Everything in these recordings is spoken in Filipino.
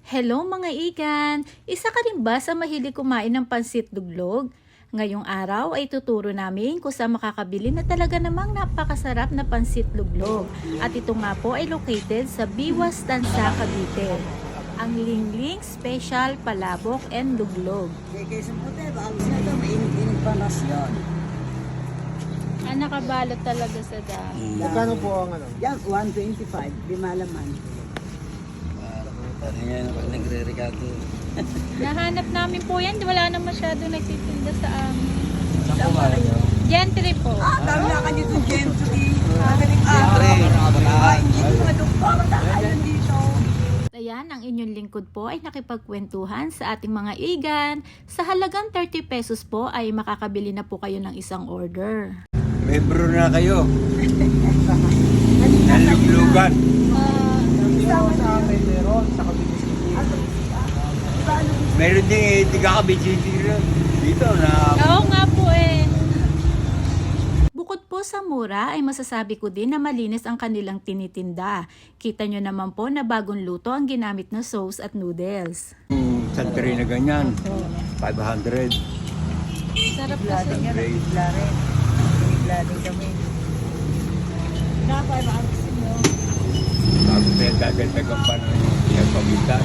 Hello mga igan! Isa ka rin ba sa mahilig kumain ng pansit duglog? Ngayong araw ay tuturo namin kung saan makakabili na talaga namang napakasarap na pansit duglog. At ito nga po ay located sa Biwas, Tansa, Cavite. Ang Lingling Special Palabok and Duglog. Kaysa puti, baka gusto nito, mainit-init pa nasyon. Nakabalot talaga sa dami. Magkano po ang ano? Yan, 125, lima laman. Parang yan, pag nagre-regato. Nahanap namin po yan. Wala na masyado nagtitinda sa amin. Saan po ba? Gentry po. Dami na kanyo itong gentry. Magaling Siyempre, nakabalahan. Hindi ko madukpa, matakayan dito. Ayan, ang inyong lingkod po ay nakipagkwentuhan sa ating mga igan. Sa halagang 30 pesos po ay makakabili na po kayo ng isang order. Membro na kayo. Naluglugan. Sa amin, meron sa Cavite City. Meron din tiga Cavite City rin. Dito na. Oo nga po eh. Bukod po sa mura ay masasabi ko din na malinis ang kanilang tinitinda. Kita nyo naman po na bagong luto ang ginamit na sauce at noodles. Santri na ganyan. 500. Sarap bigla kasi. din yan, bigla rin. Bigla din kami. Napay, baka gusto nyo. Bago na dagdagan pa ng yung pagitan.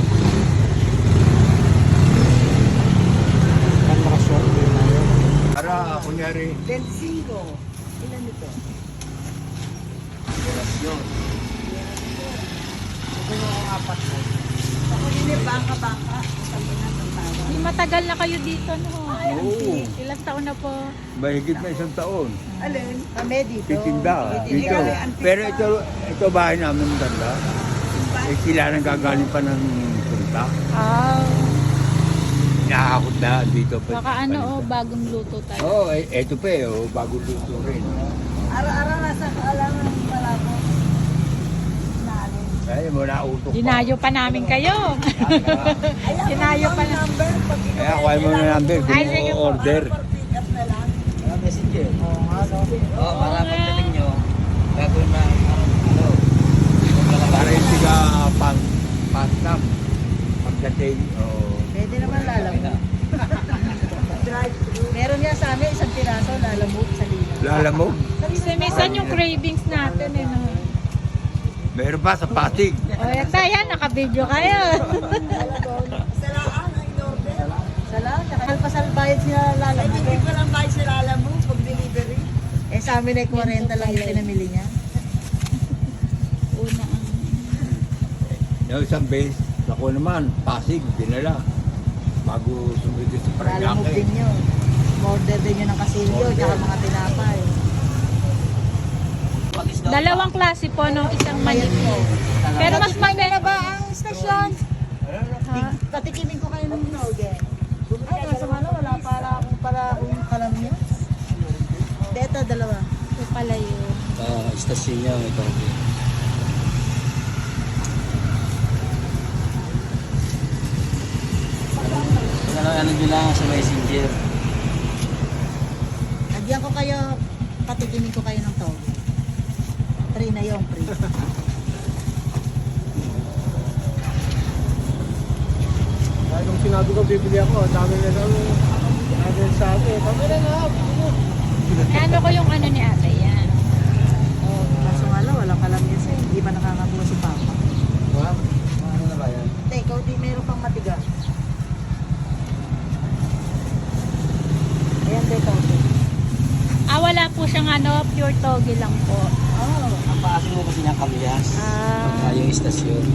Para, kunyari, 25. Ilan ito? relasyon. Ito yung apat ko. Ako yun eh, bangka-bangka. Sabi na, tatawa. Matagal na kayo dito, no? Oo. Ilang taon na po? Mahigit na 1 taon. Alin? Kami dito. Titinda. Titinda Dito. kami, antika. Pero ito bahay namin maganda. Eh, sila nang gagaling pa ng punta. Nakakot na dito pa. Baka ano, bagong luto tayo. Oo, eto pa eh. Oh, bago luto rin. Araw-araw nasa kaalangan ng palabo. Naalin. Kaya mo nautok pa. Dinayo pa namin kayo. Dinayo pa na. Number, pag Kaya kuha mo na number. Ay, sige po. Order. for pick up na lang. Messenger. Oo nga, no? Oo, para pagdating nyo, gagawin na ano, para yung tiga pang-nam. Pagdating, Pwede naman lalamog. Drive-thru. Meron nga sa amin, isang piraso, lalamog sa lina. lalamog. Minsan yung cravings natin eh. No? Meron pa sa Pasig. O, yan tayo, naka-video kayo. Salaan ang in-order. Salaan, tsaka halpasal bayad sila lalamog. Hindi ko lang bayad sila lalamog pag delivery. Eh sa amin ay 40 lang yung pinamili niya. Una ang... Yung isang base, ako naman, Pasig, dinala. Bago sumunod sa Lalamog din Paranaque. yun. Order din yun ng kasilyo, Order. tsaka mga tinapay. Dalawang klase po, no? Isang maliit po. Pero mas Maganda maganda. ba ang istasyon? Patikimin ko kayo ng noge. Ay, nasa malo, wala para akong kalam niya. Dito, dalawa. Ito pala yun. Istasyon niya, ito. Ano nyo lang sa messenger? Lagyan ko kayo, patikimin ko kayo ng toge. Free na yung free. Kahit nung sinabi ko bibili ako, dami na lang sa akin. Kami na nga. Ano ko yung ano ni ate, yan. Oh, kaso nga lang, walang kalam niya sa'yo. Hindi ba nakakabuha si Papa? Ano na ba yan? Hindi, ikaw di meron pang matigas. Ayan, de toge. Wala po siyang ano, pure toge lang po. Oh, Ang paasin mo kasi niyang kamyas. Yung istasyon.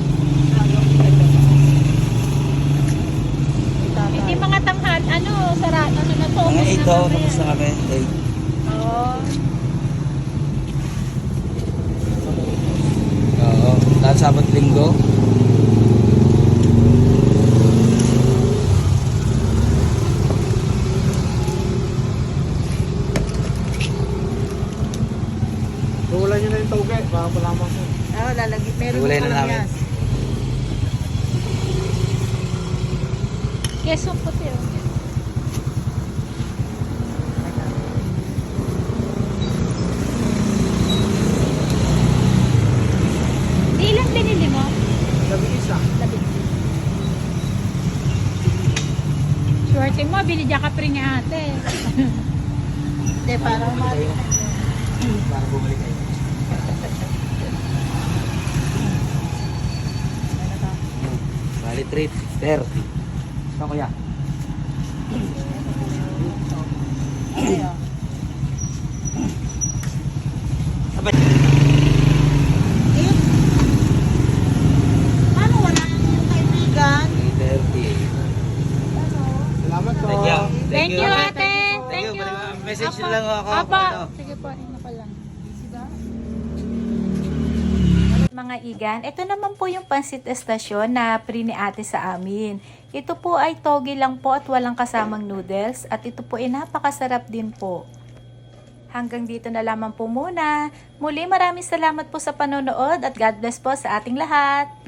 Hindi mga tanghal, ano, sarado, ano na to. Mga ubos 8 na oh, kami. tapos na kami. 8. Oo, lahat Sabat Linggo. Wala nyo na yung tauge, baka malaman ko. oh, lalagi. Meron Iwalay pang na namin. kamyas. Kesong puti, oh. Ilang binili mo? Sabi isa. Labing. Kasi mo, binidya ka pre ni ate. Hindi, para umali. Para bumalik kayo. Bali treat, sister. Saan kuya? Ayun. Eh, paano wala yung kaibigan? 3:30. Salamat po. Thank you, ate. Thank you. Message nyo lang ako. Apa. Ano? Sige po, ano pa lang. Mga igan, ito naman po yung pansit estasyon na pre ni ate sa amin. Ito po ay togi lang po at walang kasamang noodles at ito po ay napakasarap din po. Hanggang dito na lamang po muna. Muli maraming salamat po sa panonood at God bless po sa ating lahat.